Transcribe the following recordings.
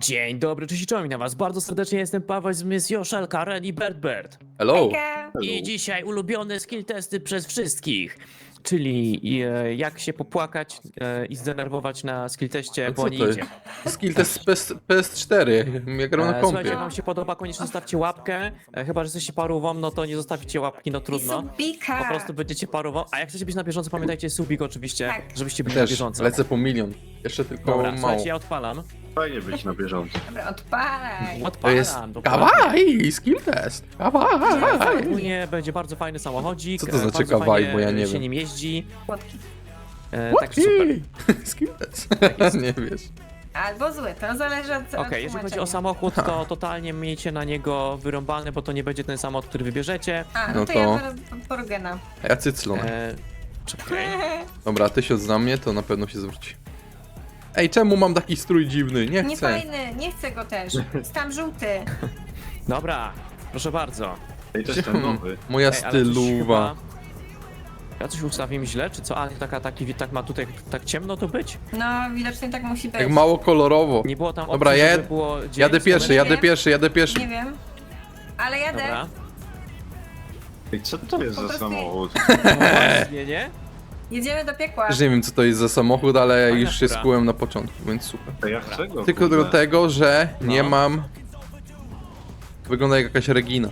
Dzień dobry, cześć i czołem na was. Bardzo serdecznie jestem Paweł z Miss Joszal, Karen i Bert. Hello. Hejka. I dzisiaj ulubione skill testy przez wszystkich. Czyli jak się popłakać i zdenerwować na skill teście, A bo co nie to idzie. Skill test PS4, jak gram na Słuchajcie, jak kompie. wam się podoba, koniecznie zostawcie łapkę. Chyba, że jesteście parówą, no to nie zostawicie łapki, no trudno. Subika. Po prostu będziecie parową. A jak chcecie być na bieżąco, pamiętajcie subik oczywiście, Tak. żebyście byli na Też bieżąco. lecę po milion. Jeszcze tylko Dobra, mało. słuchajcie, ja odpalam. Fajnie być na bieżąco. Dobra, odpalaj. To jest dokładnie. kawaii, skill test. Kawaii. Ogólnie będzie bardzo fajny samochodzik. Co to znaczy bardzo kawaii, fajnie bo ja nie się wiem. nim jeździ. Płotki. Tak super. Skill test. Nie wiesz. Albo zły, to zależy od Okej, jeżeli chodzi o samochód, to totalnie miejcie na niego wyrąbane, bo to nie będzie ten samochód, który wybierzecie. A, No no to to- ja zaraz porgena. A ja cyclon. Czekaj. Dobra, 1000 za mnie, to na pewno się zwróci. Ej, czemu mam taki strój dziwny? Nie Nie chcę. fajny, nie chcę go też. Jest tam żółty. Dobra, proszę bardzo. I to jest ten nowy. Moja Ej, ale coś styluwa. chyba- Ja coś ustawiłem źle, czy co? A, tak ma tutaj tak ciemno to być? No, widocznie tak musi być. Jak mało kolorowo. Nie było tam opcji, Dobra, żeby było dzień, Jadę pierwszy, słoneczny? jadę pierwszy. Nie wiem. Ale jadę. Dobra. I co to jest Po za prostu- samochód? No właśnie, nie? Jedziemy do piekła. Też nie wiem co to jest za samochód, ale Fajna już się fura. skułem na początku, więc super. To ja chcę go, Tylko do kurde. tego, że nie No. mam... Wygląda jak jakaś Regina.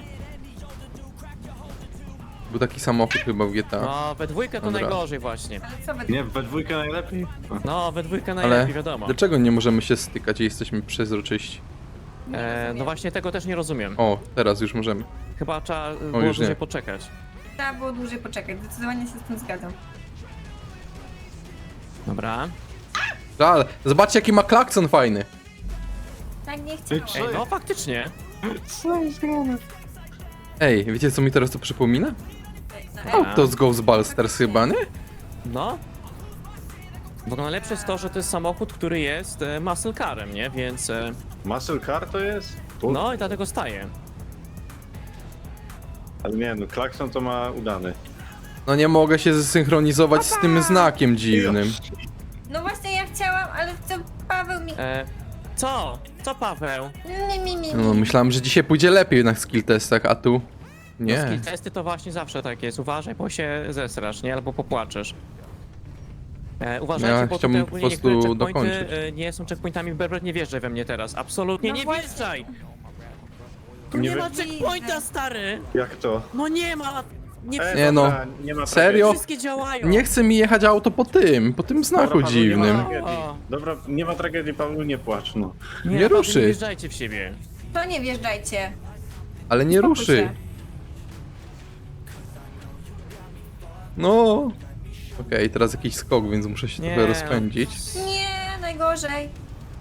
Był taki samochód chyba w GTA. No, we dwójkę to Dobra. najgorzej właśnie. Ale co wy... Nie, we dwójkę najlepiej. No, we dwójkę Ale najlepiej, wiadomo. dlaczego nie możemy się stykać i jesteśmy przezroczyści? No właśnie tego też nie rozumiem. O, teraz już możemy. Chyba trzeba było już dłużej nie. poczekać. Trzeba było dłużej poczekać. Zdecydowanie się z tym zgadzam. Dobra. Ale zobaczcie jaki ma klakson fajny. Tak nie Ej, chcę. co? Ej, no faktycznie. Ej, wiecie co mi teraz to przypomina? No, To z Ghostbusters chyba, nie? No. Bo najlepsze jest to, że to jest samochód, który jest muscle carem, nie? Więc Muscle car to jest? no i dlatego staje. Ale nie, no klakson to ma udany. No nie mogę się zsynchronizować z tym znakiem dziwnym. No właśnie ja chciałam, ale to Paweł mi... Co? Co, Paweł? No myślałem, że dzisiaj pójdzie lepiej na skill testach, a tu... No, Nie. skill testy to właśnie zawsze tak jest. Uważaj, bo się zesrasz, nie? Albo popłaczesz. Uważajcie, Ja bo chciałbym tutaj po ogólnie niektóre prostu checkpointy dokończyć. nie są checkpointami. Berber, nie wjeżdżaj we mnie teraz. Absolutnie No nie właśnie. wjeżdżaj! Tu Nie nie ma widzę. checkpointa, stary! Jak to? No nie ma! Nie, Nie no. dobra, nie ma Serio? wszystkie działają! Nie chce mi jechać auto po tym znaku Dobra, Paweł, nie ma dziwnym. tragedii. O. Dobra, nie ma tragedii, Paweł, nie płacz, no. Nie, Nie naprawdę ruszy. Nie wjeżdżajcie w siebie. To nie wjeżdżajcie. Ale nie Spokój ruszy. się. No. Okej, teraz jakiś skok, więc muszę się Nie. trochę rozpędzić. Nie, najgorzej.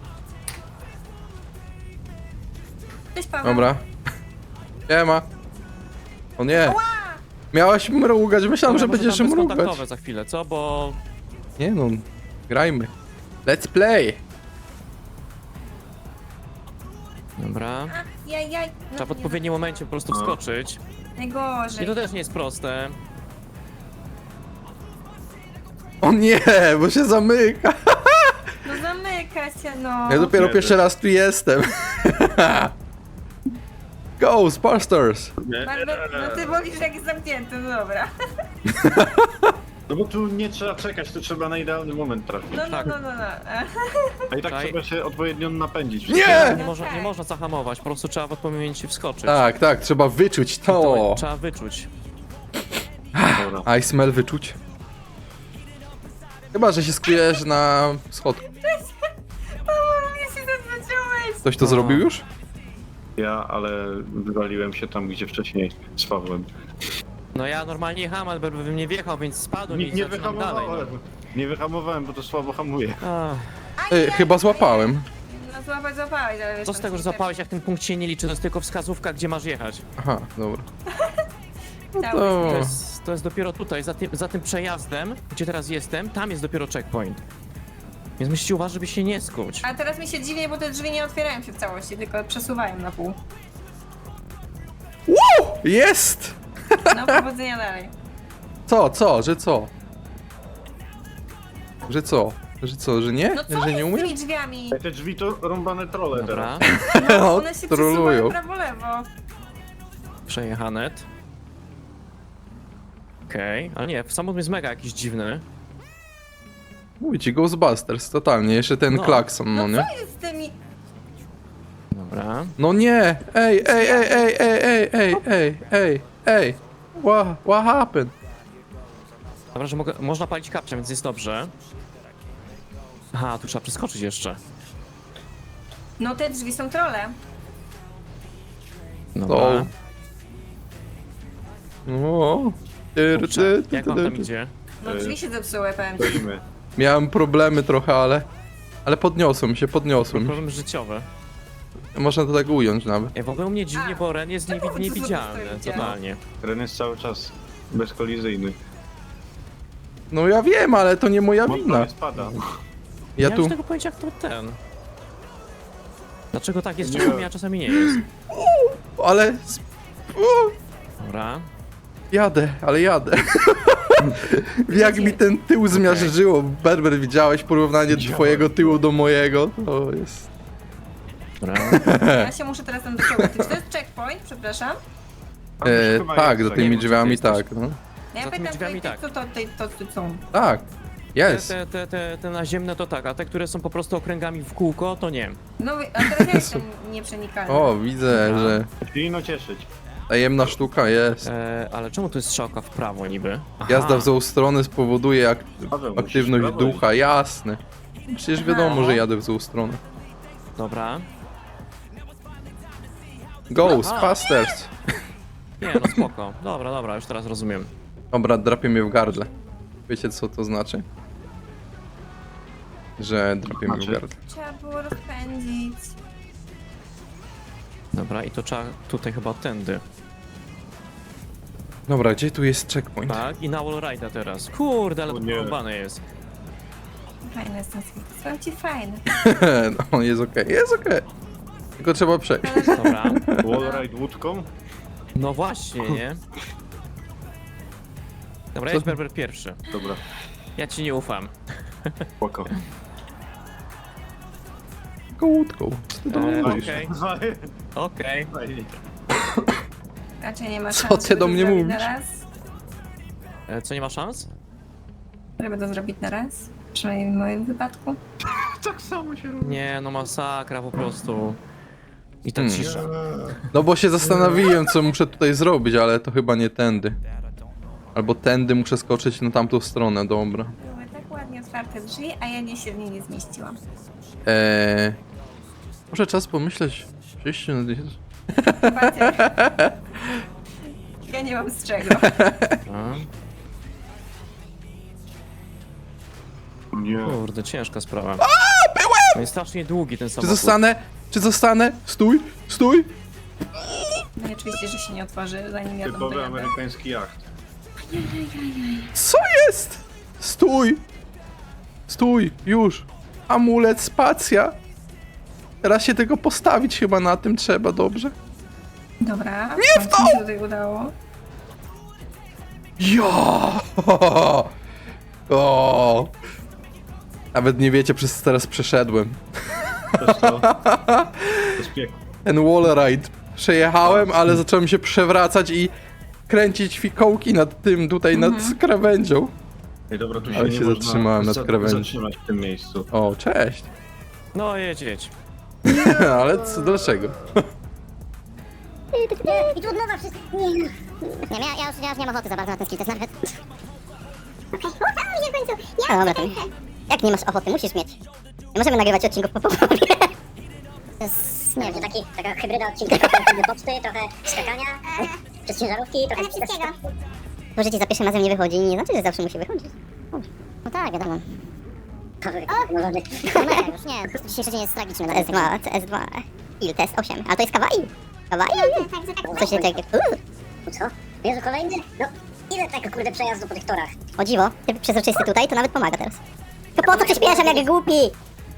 Cześć Paweł. Dobra. Nie ma. O nie. Miałaś mrugać, myślałem, że Dobra, może będziesz tam mrugać. bezkontaktowe za chwilę, co? Bo... Nie no, grajmy. Let's play. Dobra. A, jaj. No, Trzeba w nie, odpowiednim momencie po prostu No. wskoczyć. Najgorzej. I to też nie jest proste. O nie, bo się zamyka. No zamyka się, no. Ja dopiero Nie, pierwszy raz tu jestem. Ghostbusters. Nie, No ty wolisz jak jest zamknięty, no dobra. No bo tu nie trzeba czekać, tu trzeba na idealny moment trafić. No. Tak. A i tak Czaj. trzeba się odpowiednio napędzić. Nie! Nie No można, tak. nie można zahamować, po prostu trzeba w odpowiednim momencie wskoczyć. Tak, tak, trzeba wyczuć to. Trzeba wyczuć. Dobra. I smell wyczuć. Chyba, że się skujesz na schodku. O, mnie się zaznaczyłeś. Ktoś to No. zrobił już? Ja, ale wywaliłem się tam, gdzie wcześniej z Pawłem. No ja normalnie jechałem, ale bym nie wjechał, więc spadłem i Nie zaczynam dalej. wyhamowałem. Nie wyhamowałem, bo to słabo hamuje. No. Chyba złapałem. No złapałeś, ale wiesz... Co z tam tego, że się złapałeś, jak ten punkt się nie liczy, to jest tylko wskazówka, gdzie masz jechać. Aha, dobra. No Cały- to... To jest dopiero tutaj, za tym przejazdem, gdzie teraz jestem, tam jest dopiero checkpoint. Więc musicie uważać, żeby się nie skuć. A teraz mi się dziwię, bo te drzwi nie otwierają się w całości, tylko przesuwają na pół. Jest! No powodzenia dalej. Co, że co? Że co? Że co, że nie? No co Że nie jest z umiem? tymi drzwiami? Te drzwi to rąbane trole Dobra, teraz. No, No, one się trolują. przesuwają prawo-lewo. przejechane. Okej, ale nie, samochód jest mega jakiś dziwny. Mówię ci, Ghostbusters, totalnie. Jeszcze ten No. klakson, no No nie? co jest z tymi... Dobra. No nie! Ej! What happened? Dobra, że można palić kapcia, więc jest dobrze. Aha, tu trzeba przeskoczyć jeszcze. No te drzwi są trole. Dobra. No. Kurczę, jak wam tam idzie? No drzwi się zepsuły, powiem ci. Stoimy. Miałem problemy trochę, ale podniosłem się. Problem życiowy. Można to tak ująć nawet. W ogóle u mnie dziwnie, bo Ren jest czemu wy tu niewidzialny, stoicie? totalnie. Ren jest cały czas bezkolizyjny. No ja wiem, ale to nie moja Mocno wina. nie spada. Ja nie tu... mam tego pojęcia, jak to ten. Dlaczego tak jest Nie. czasami, a czasami nie jest? Ale... Dobra. Jadę. Jak mi ten tył zmiażdżyło. Berber, widziałeś porównanie twojego tyłu do mojego? To jest... Dobra. Ja się muszę teraz tam do tyłu. Czy to jest checkpoint? Przepraszam. A już chyba Tak, jest, za nie tymi wiem, drzwiami gdzie ty tak, no. Ja Za tymi pytam, drzwiami tutaj, tak. co to są. Tak. Jest. Te naziemne to tak, a te, które są po prostu okręgami w kółko, to nie. No a teraz ja jestem nieprzenikalny. O, widzę, Dobra. że Powinno cieszyć. tajemna sztuka jest. Ale czemu tu jest strzałka w prawo niby? Aha. Jazda w złą stronę spowoduje Paweł, musisz aktywność prawo ducha, jasne. Przecież wiadomo, że jadę w złą stronę. Dobra. Ghostbusters! Nie, no spoko. Dobra, już teraz rozumiem. Dobra, drapie mnie w gardle. Wiecie co to znaczy? Że drapie mnie w gardle. Trzeba było rozpędzić. Dobra, i to trzeba tutaj chyba tędy. Dobra, gdzie tu jest checkpoint? Tak, i na wallride'a teraz. Kurde, ale O to nie. porąbane jest. Fajne jest ten swój. Są ci fajne. No, jest okej, jest okej. Tylko trzeba przejść. Dobra. Wallride łódką? No właśnie, nie? Dobra, jest Berber pierwszy. Dobra, Ja ci nie ufam. spoko. Kołódką. Okej. Fajnie. Raczej nie ma Co szans, ty żeby do to mnie zrobić mówisz? na raz. Co, nie ma szans? Żeby to zrobić na raz. Przynajmniej w moim wypadku. Tak samo się robi. Nie, no masakra po prostu. I ta Hmm. cisza. No bo się zastanowiłem, co muszę tutaj zrobić, ale to chyba nie tędy. Albo tędy muszę skoczyć na tamtą stronę, dobra. Były tak ładnie otwarte drzwi, a ja się w nie nie zmieściłam. Może czas pomyśleć. Przejście na... Zobaczcie. Ja nie mam z czego. A, Nie. kurde, ciężka sprawa. No jest strasznie długi ten Czy samochód. zostanę? Czy zostanę? Stój! Stój! No i oczywiście, że się nie otworzy, zanim ja tam Typowy dojadę. amerykański jacht. Co jest? Stój! Stój! Już! Amulet, spacja! Teraz się tego postawić chyba na tym trzeba, dobrze? Dobra, nie w to! Mi się tutaj udało. Ja! O! Nawet nie wiecie, przez co teraz przeszedłem. Też to. To jest piekło. Ten wallride. Przejechałem, ale zacząłem się przewracać i kręcić fikołki nad tym, tutaj nad krawędzią. Ej, dobra, tu się Ale nie się można zatrzymałem nad krawędzią. zatrzymać w tym miejscu. O, cześć. No jedź. Ale co, dlaczego? I tu od nowa wszystko. Nie, ja już nie mam ochoty za bardzo na ten skill test nawet. Okej, udało mi się w końcu. Ja dobra, to jak nie masz ochoty, musisz mieć. Nie możemy nagrywać odcinków po połowie. To jest, nie wiem, taka hybryda odcinka. Trochę poczty, trochę skakania, przez ciężarówki, trochę wszystkiego. To, że ci za pierwszym razem nie wychodzi, nie znaczy, że zawsze musi wychodzić. No tak, wiadomo. No już nie, dzisiejszy dzień jest tragiczny. S2, CS2, il test 8, ale to jest kawaii. Kawaii? Co się takiego... Co? Jezu, kolejny? No, ile tego kurde przejazdu po tych torach? O dziwo, ty przezroczysty tutaj, to nawet pomaga teraz. To po co przyspieszam jak głupi?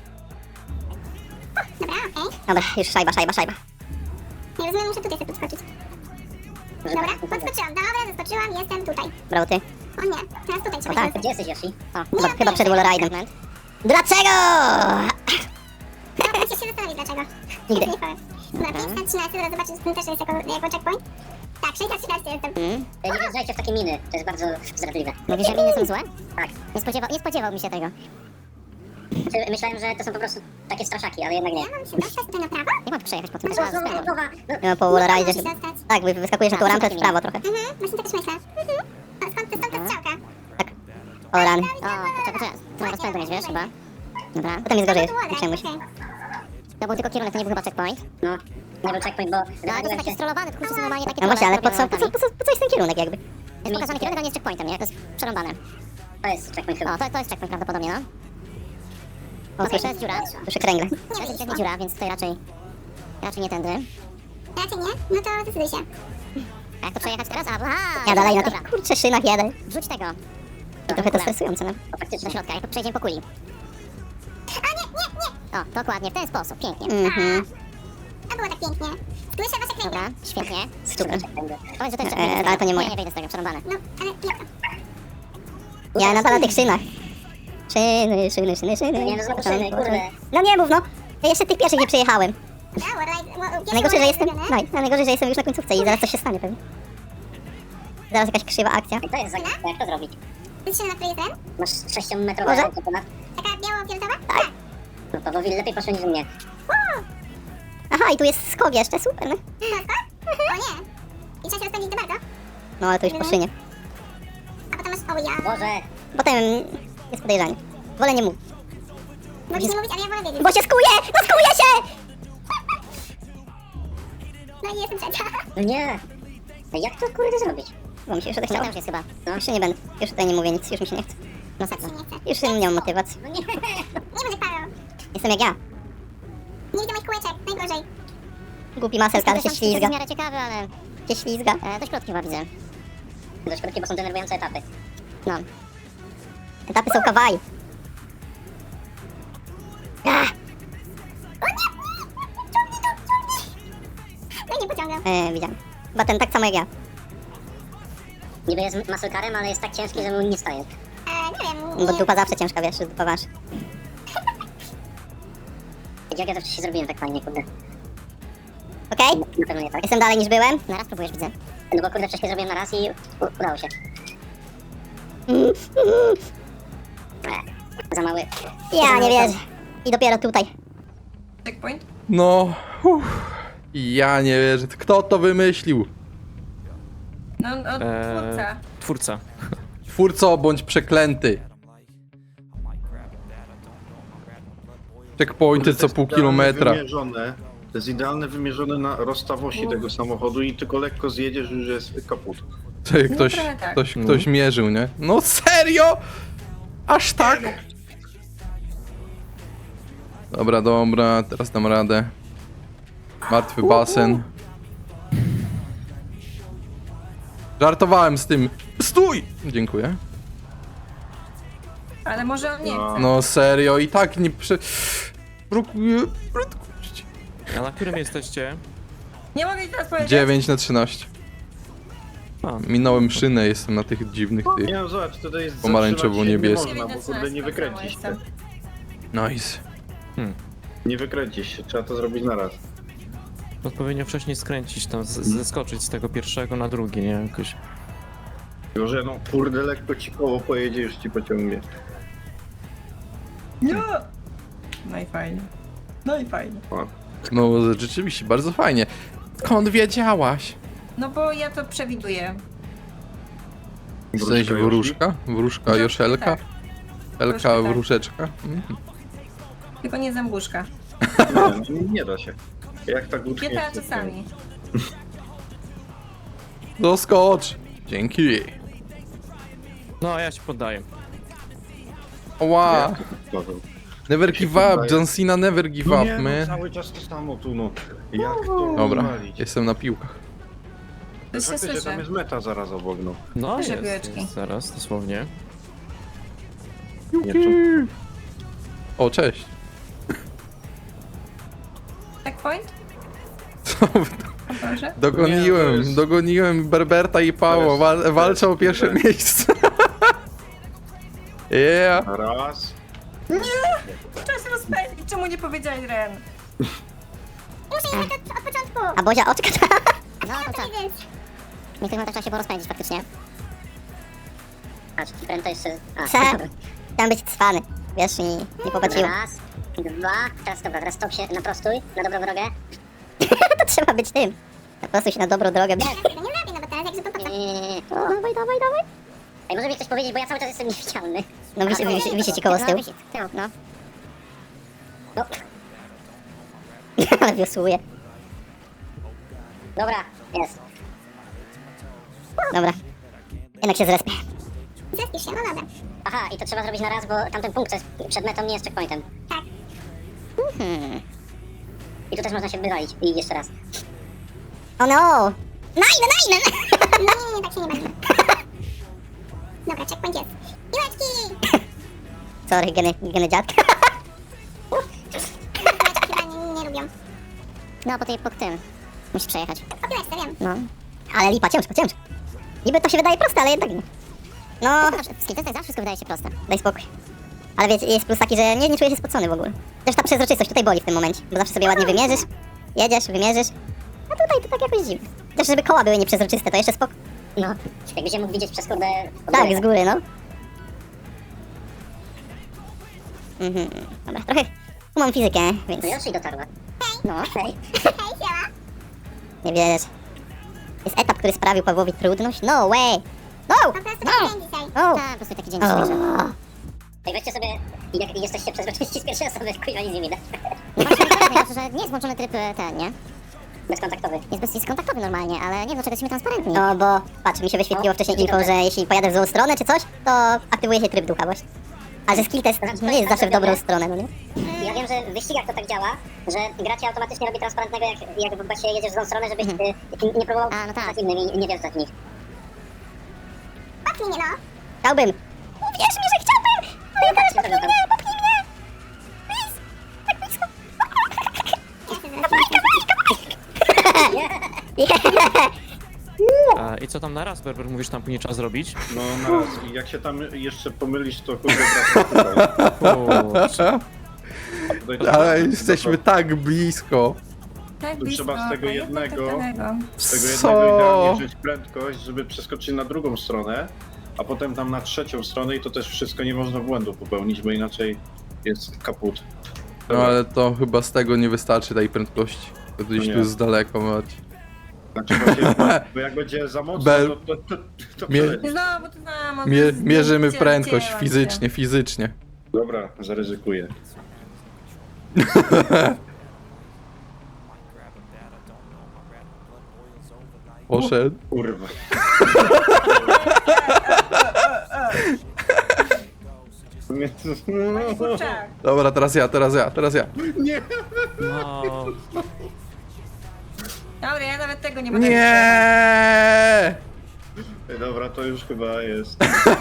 Dobra, okej. Dobra, już szajba. Nie rozumiem, muszę tutaj sobie podskoczyć. Dobra, podskoczyłam. Dobra, zaskoczyłam, jestem tutaj. Brawo ty. O nie, teraz tutaj O trzeba tak, się... gdzie jesteś Yoshi? O, chyba przed wallride'em. Dlaczego? Musisz się zastanowić dlaczego. Nigdy. Nie powiem. Dobra, 513, zaraz zobaczysz, że ten też jest jako checkpoint. Tak, 613 jestem. Nie wjeżdżajcie w takie miny, to jest bardzo zdradliwe. Mówisz, że miny są złe? Tak. Nie spodziewał mi się tego. Myślałem, że to są po prostu takie straszaki, ale jednak nie. Ja mam się dostać tutaj na prawo? Nie mam przejechać po tym. No, No po wallride'zie. musisz zostać. Tak, wyskakujesz na tą rampę w prawo trochę. Właśnie tak też myślę. A skąd ta strzałka? O, ran. O, poczekaj. Tu mam rozpędu mieć, wiesz, chyba. Dobra. Potem jest gorzej, nie przejmuj się. To był tylko kierunek, to nie był chyba checkpoint. No, nie był checkpoint, bo... No, ale to są takie strollowane, kurczę, są normalnie takie... No właśnie, ale po co jest ten kierunek jakby? Jest pokazany kierunek, a nie jest checkpointem, nie? To jest przerąbane. To jest checkpoint chyba. O, to jest checkpoint prawdopodobnie, no. O, słyszę, jest dziura. Słyszę kręgle. To jest ewidentnie dziura, więc tutaj raczej nie tędy. Raczej nie? No to zdecyduj się. A jak to przejechać teraz? Ja dalej na tych kurczę szynach jadę. Wrzuć tego. I trochę to stresujące, no. Do środka, jak przejdziemy po kuli. O, dokładnie, w ten sposób, pięknie. A było tak pięknie. Słyszę wasze kręgle. Dobra, świetnie. Super. Powiedz, że to jest checkpoint. Ale to nie moje. Nie wyjdę z tego, przerąbane. No, ale jak? Ja nadal na tych szynach. Szyny. Nie, no znowu szyny, kurde. No nie mów, no. Ja jeszcze tych pierwszych nie przejechałem. A Najgorzej, że jestem już na końcówce i zaraz coś się stanie pewnie. Zaraz jakaś krzywa akcja. To jest zagadka, jak to zrobić? To jest na której ten? Masz 6-metrowe Może? auto ponad. Taka biało-fioletowa? Tak. Tak. No to Wowil lepiej poszło niż mnie. Aha, i tu jest skok jeszcze, super, no. O nie. I trzeba się rozpędzić do bardzo. No ale to już po szynie. A potem masz... O ja. Boże. Potem jest podejrzanie. Wolę nie mówić. Możesz nie mówić, ale ja wolę wiedzieć. Bo się skuje! No skuje się! No i jestem trzecia. No nie. No jak to kurde zrobić? Bo mi się już odechciało. Już jest chyba. No już nie będę. Już tutaj nie mówię nic, już mi się nie chce. No sakra. Się nie chce. Już nie mam motywacji. No nie. Nie będę Paweł. Jestem jak ja. Nie widzę moich kółeczek. Najgorzej. Głupi maselka, ale się ślizga. To jest w miarę ciekawe, ale... Się ślizga. Dość krótkie chyba widzę. Dość krótkie, bo są denerwujące etapy. No. Etapy są kawaii. No nie pociągam. Widziałem. Chyba ten tak samo jak ja. Niby jest muscle-carem, ale jest tak ciężki, że mu nie staje. Nie wiem. Bo dupa zawsze ciężka, wiesz, dupa wasz. Jak ja to wcześniej zrobiłem tak fajnie, kurde. Okej? Na pewno nie tak. Jestem dalej niż byłem. Na raz próbujesz, widzę. No bo kurde wcześniej zrobiłem na raz i udało się. Za mały. Ja nie wierzę. I dopiero tutaj. Checkpoint? No, ja nie wierzę. Kto to wymyślił? No, twórca. Twórca. Twórco bądź przeklęty. Checkpointy co pół kilometra. To jest idealne wymierzone na rozstaw osi tego samochodu i tylko lekko zjedziesz, już jest kaput. Czekaj, ktoś, trochę tak. ktoś mierzył, nie? No serio? Aż tak? Dobra, teraz dam radę. Martwy basen. Żartowałem z tym. Stój! Dziękuję. Ale może on nie No. chce. No serio, i tak nie prze... Blokuję prędkość. A na którym jesteście? Nie mogę ci teraz powiedzieć. 9/13. A, Minąłem szynę, jestem na tych dziwnych tych. Nie no zobacz, tutaj jest Pomarańczowo-niebieskie. zatrzymać się nie można, bo kurde nie wykręcisz się. Nice. Nie wykręcisz się, trzeba to zrobić na raz. odpowiednio wcześniej skręcić tam, zeskoczyć z tego pierwszego na drugi, nie? Jakoś. Tylko, że no kurde lekko ci koło pojedzie, już ci pociągnie. Nie. No i fajnie. No i fajnie. O. No rzeczywiście, bardzo fajnie. Skąd wiedziałaś? No bo ja to przewiduję. W sensie wróżka? Wróżka Joszelka? Tak. Elka Troszkę tak. wróżeczka? Tylko nie zębuszka. Nie da się. Jak tak utknie? Pieta czasami. Doskocz! Dzięki. No, a ja się poddaję. Ła! Never give up, John Cena never give No up, nie, no, man. cały czas to samo tu, no. Jak to Dobra, walić? jestem na piłkach. To się Faktycznie, tam słyszy. jest meta zaraz obok, no. No, Proszę, jest, piłeczki. jest, zaraz, dosłownie. Nie, czy... O, cześć. Checkpoint? Co? O Boże. Nie, to Dogoniłem, jest- dogoniłem Berberta i Pało, to jest- walczą o pierwsze miejsce. Yeah. Raz. Trzeba się rozpędzić, czemu nie powiedziałeś, Ren? Muszę jechać od początku. A Bozia oczka. No Ja to co? to widzieć. Niektórych tak trzeba się porozpędzić faktycznie. Patrz, Fren to jeszcze... A, Co? dobra. Chciałem być cwany. Wiesz, i nie popatrzyło. Raz, dwa, teraz dobra, teraz stop się, naprostuj, na dobrą drogę. To trzeba być tym. Po prostu się na dobrą drogę. Ja tego nie zrobię, no bo teraz jak się popatrzę. Nie. Dawaj, dawaj, dawaj. Ej, może mi ktoś powiedzieć, bo ja cały czas jestem niewidzialny. No wisi ci koło z tyłu. No, wisi z tyłu, no. No, Ale wiosłuje. dobra, jest. Dobra. Jednak się zrespię. Zespisz się, no dobra. Aha, i to trzeba zrobić na raz, bo tamten punkt, co jest przed metą, nie jest checkpointem. Tak. I tu też można się wywalić. I jeszcze raz. O no! Najne! Nie, tak się nie będzie. Dobra, checkpoint jest. Piłeczki! Sorry, geny dziadka. Piłeczki chyba nie lubią. No, po tym. Musisz przejechać. O piłeczce, wiem. No. Ale lipa, ciężko. Niby to się wydaje proste, ale jednak nie. No, W skilltestach zawsze wszystko wydaje się proste. daj spokój. Ale wiecie, jest plus taki, że nie czuję się spocony w ogóle. Też ta przezroczystość tutaj boli w tym momencie, bo zawsze sobie ładnie wymierzysz, jedziesz, wymierzysz. A tutaj to tak jakoś dziwne. Też żeby koła były nieprzezroczyste, to jeszcze spoko. No, jakbyś je mógł widzieć przez kurde... od Tak, góry. z góry, no. Dobra, trochę umam fizykę, więc No Yoshi dotarła. no, hej. Hej, siema. Nie wiesz. Jest etap, który sprawił Pawłowi trudność? No way! No! Po prostu taki dzień dzisiaj. No! Tak, po prostu taki dzień O. dzisiejszy. Ej, weźcie sobie, jak jesteście przezroczyści z pierwszej osoby, kuźwa nic nie widać. No właśnie, najlepsze, że nie jest włączony tryb ten, nie? Bezkontaktowy. Jest kontaktowy normalnie, ale nie wiem, dlaczego jesteśmy transparentni. No bo, patrz, mi się wyświetliło wcześniej info, że jeśli pojadę w złą stronę czy coś, to aktywuje się tryb ducha właśnie. A że skill test nie jest zawsze w dobrą stronę, no nie? Ja wiem, że w wyścigach to tak działa, że gra ci automatycznie robi transparentnego, jak właśnie jedziesz w złą stronę, żebyś nie próbował A, no tak. z innymi i nie wjeżdżać w nich. Popchnij mnie, no. Chciałbym! Uwierz mi, że chciałbym! Ale teraz popchnij mnie, popchnij mnie! Please! Tak blisko! I co tam na raz, Berber, mówisz, tam później trzeba zrobić? No na raz. I jak się tam jeszcze pomylisz, to kurde wracasz Kurczę. tutaj. Ale jesteśmy tak blisko. Tak Tu blisko, trzeba z tego a jednak jednego- takiego. Z tego Co? jednego idealnie wziąć prędkość, żeby przeskoczyć na drugą stronę, a potem tam na trzecią stronę i to też wszystko nie można błędu popełnić, bo inaczej jest kaput. No ale to chyba z tego nie wystarczy tej prędkości. To gdzieś No tu nie. z daleko mać. Znaczy właśnie, bo jak będzie za mocno, Bel- to Mie- przeleci. Znowu to samo. Mierzymy prędkość fizycznie. Dobra, zaryzykuję. Poszedł. Kurwa. Panie kurczak. Dobra, teraz ja. Nie! No, Dobra, ja nawet tego nie mogę. Nie! Dobra, to już chyba jest.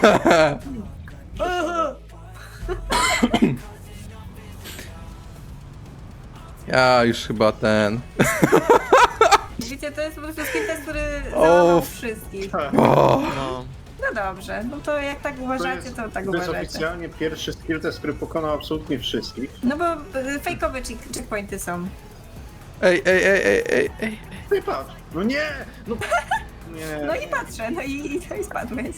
Ja już chyba ten. Widzicie, to jest po prostu skill test, który O. załamał wszystkich. O, no. No dobrze, no to jak tak uważacie, to tak To jest uważacie. oficjalnie pierwszy skill test, który pokonał absolutnie wszystkich. No bo fejkowe checkpointy są. ej. No i patrz, no nie! No, nie, No i patrzę, no i spadłeś.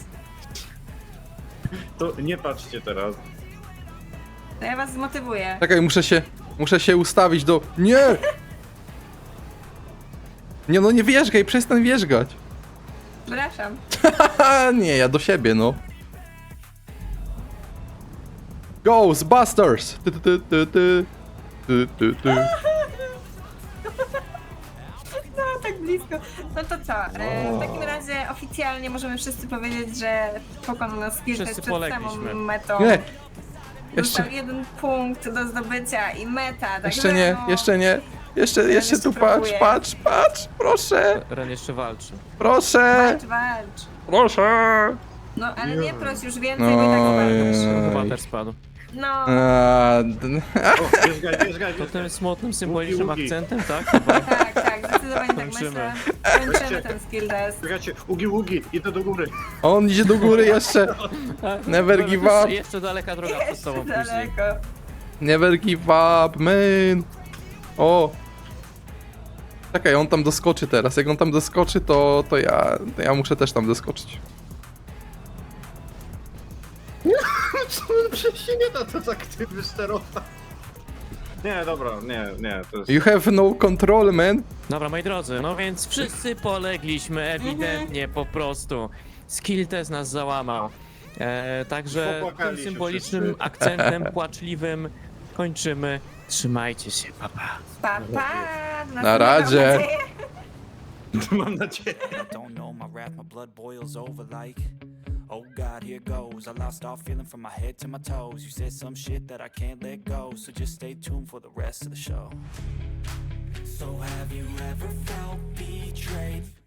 to nie patrzcie teraz. To ja was zmotywuję. Czekaj, muszę się ustawić do... Nie! Nie no, nie wierzgaj, przestań wierzgać. Przepraszam. Haha, nie, ja do siebie, no. Ghostbusters! No tak blisko. No to co? W takim razie oficjalnie możemy wszyscy powiedzieć, że pokonał nas skill test Wszyscy przed samą polegliśmy. metą. Nie! Dostał Jeszcze, 1 punkt do zdobycia i meta. Także jeszcze nie, no, jeszcze nie. Jeszcze jeszcze tu próbuję. patrz, proszę, Ren jeszcze walczy. proszę, walcz. proszę. No ale nie proś już więcej, bo i tak walczysz. Chyba też spadł. No. A, O, wierzgaj. To tym smutnym, symbolicznym Łuki. akcentem, tak? Chyba. Tak, zdecydowanie. zdecydowanie tak Kończymy. myślę. Kończymy ten skill test. Czekajcie, ugi, idę do góry. On idzie do góry jeszcze. Never give up. Jeszcze daleka droga przed Jeszcze tobą później. daleko. Never give up, man. O. Czekaj, on tam doskoczy teraz. Jak on tam doskoczy, to ja muszę też tam doskoczyć. Przecież się nie da to tak ty wysterować. Nie, dobra, nie, to jest... You have no control, man. Dobra, moi drodzy, no więc wszyscy polegliśmy, ewidentnie, po prostu. Skill test nas załamał. Także Popłakali tym się symbolicznym wszyscy. akcentem płaczliwym kończymy. Trzymajcie się, papa. Pa, pa. Na razie. Mam nadzieję. I don't know my wrath, my blood boils over like, oh God, here goes. I lost all feeling from my head to my toes. You said some shit that I can't let go, so just stay tuned for the rest of the show. So have you ever felt betrayed?